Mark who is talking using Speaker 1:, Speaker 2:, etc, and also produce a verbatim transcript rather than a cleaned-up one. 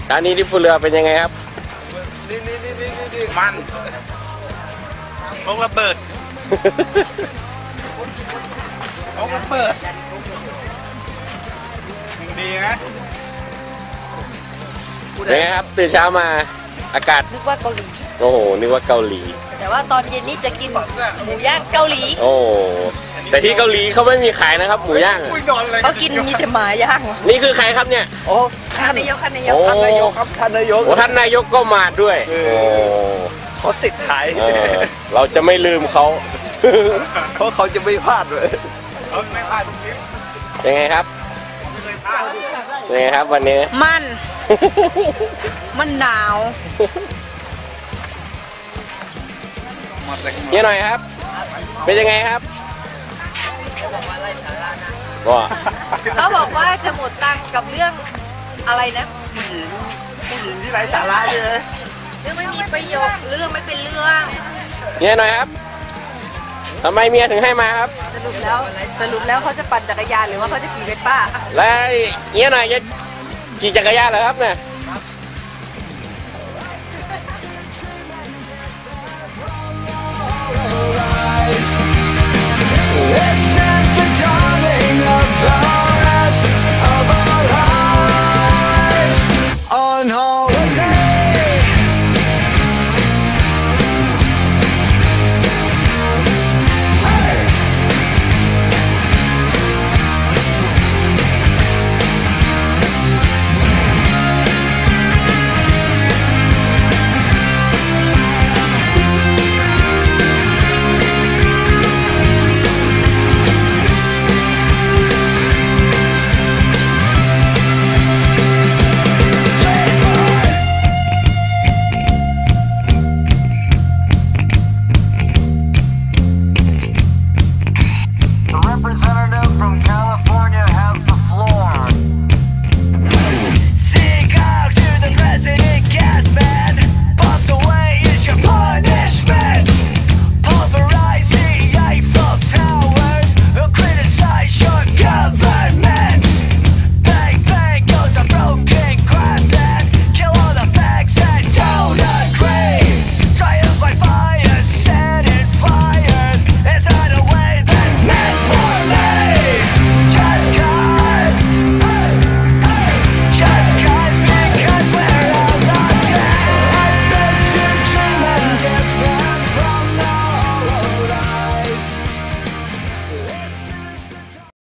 Speaker 1: เช้านี้ที่ภูเรือเป็นยังไงครับ
Speaker 2: นี่นี่นี่นี่นี่มันลงระเบิดลงระเบิดดีนะ
Speaker 1: เป็นไงครับตื่นเช้ามาอากาศ
Speaker 3: นึกว่าเกาหลี
Speaker 1: โอ้โหนึกว่าเกาหลี
Speaker 3: แต่ว่าตอนเย็นนี้จะกินหมูย่างเกาหลี
Speaker 1: โอ้แต่ที่เกาหลีเขาไม่มีขายนะครับหมูย่าง
Speaker 3: เขากินมีแต่หมาย่าง
Speaker 1: นี่คือใครครับเนี่ย
Speaker 2: โอ้
Speaker 3: ท่านนายกท่านนายก
Speaker 2: ท่านนายกครับท่านนายก
Speaker 1: โอ้ท่านนายกก็มาด้วยโอ้
Speaker 2: เขาติดขาย
Speaker 1: เราจะไม่ลืมเขา
Speaker 2: เพราะเขาจะไม่พลาดเลยเขาไม่พลาดทุกคลิป
Speaker 1: ยังไงครับยังไงครับวันนี้
Speaker 3: มันมันหนาว
Speaker 1: เยอะหน่อยครับเป็นยังไงครับก็
Speaker 3: เขาบอกว่าจะหมดตังค์กับเรื่องอะไรนะ
Speaker 2: ผู้หญิงผู้หญิงที่ไร้สาระเลย
Speaker 3: เรื่องไม่มีประโยชน์เรื่องไม่เป็นเรื่อง
Speaker 1: เยอะหน่อยครับทำไมเมียถึงให้มาครับ
Speaker 3: สรุปแล้วสรุปแล้วเขาจะปั่นจักรยานหรือว่าเขาจะขี่เวสป้า
Speaker 1: แล้วเยอะหน่อยจะขี่จักรยานเหรอครับเนี่ย